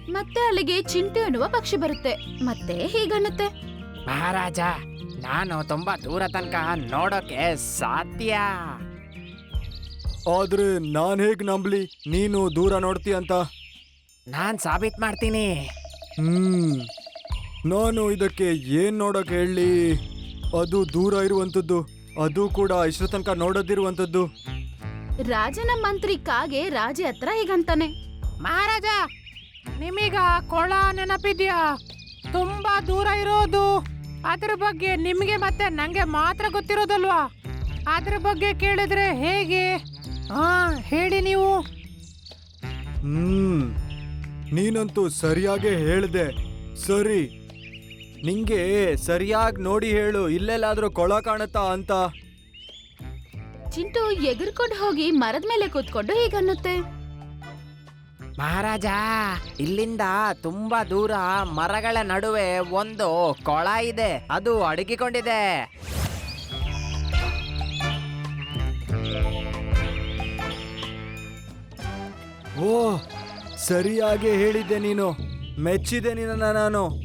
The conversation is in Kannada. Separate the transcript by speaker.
Speaker 1: ಮತ್ತೆ ಅಲ್ಲಿಗೆ ಚಿಂಟು ಎನ್ನುವ ಪಕ್ಷಿ ಬರುತ್ತೆ ಮತ್ತೆ ಹೀಗನ್ನುತ್ತೆ.
Speaker 2: ಮಹಾರಾಜ, ನಾನು ತುಂಬಾ ದೂರ ತನಕ ನೋಡೋಕೆ ಸಾಧ್ಯ.
Speaker 3: ಆದ್ರೆ ನಾನ್ ಹೇಗ್ ನಂಬ್ಲಿ ನೀನು ದೂರ ನೋಡ್ತೀಯ ಅಂತ?
Speaker 2: ನಾನ್ ಸಾಬೀತ್ ಮಾಡ್ತೀನಿ.
Speaker 3: ನಾನು ಇದಕ್ಕೆ ಏನ್ ನೋಡಕ್ ಹೇಳಿ? ಅದು ದೂರ ಇರುವಂತದ್ದು, ಅದು ಕೂಡ ಇಷ್ಟು ತನಕ ನೋಡದಿರುವಂತದ್ದು.
Speaker 1: ರಾಜನ ಮಂತ್ರಿ ಕಾಗೆ ರಾಜ ಹತ್ರ ಹೀಗಂತಾನೆ.
Speaker 2: ಮಹಾರಾಜ, ನಿಮೀಗ ಕೊಳ ನೆನಪಿದ್ಯಾ? ತುಂಬಾ ದೂರ ಇರೋದು. ಅದ್ರ ಬಗ್ಗೆ ನಿಮ್ಗೆ ಮತ್ತೆ ನಂಗೆ ಮಾತ್ರ ಗೊತ್ತಿರೋದಲ್ವಾ? ಅದ್ರ ಬಗ್ಗೆ ಕೇಳಿದ್ರೆ ಹೇಗೆ? ಹೇಳಿ ನೀವು.
Speaker 3: ನೀನಂತೂ ಸರಿಯಾಗಿ ಹೇಳ್ದೆ. ಸರಿ, ನಿಂಗೆ ಸರಿಯಾಗಿ ನೋಡಿ ಹೇಳು, ಇಲ್ಲೆಲ್ಲಾದ್ರೂ ಕೊಳ ಕಾಣುತ್ತಾ ಅಂತ.
Speaker 1: ಚಿಂಟು ಎಗರ್ಕೊಂಡು ಹೋಗಿ ಮರದ ಮೇಲೆ ಕೂತ್ಕೊಂಡು ಹೀಗನ್ನುತ್ತೆ.
Speaker 2: ಮಹಾರಾಜ, ಇಲ್ಲಿಂದ ತುಂಬಾ ದೂರ ಮರಗಳ ನಡುವೆ ಒಂದು ಕೊಳ ಇದೆ. ಅದು ಅಡಗಿಕೊಂಡಿದೆ.
Speaker 3: ಓ, ಸರಿಯಾಗಿ ಹೇಳಿದ್ದೆ ನೀನು. ಮೆಚ್ಚಿದೆ ನಿನ್ನ ನಾನು.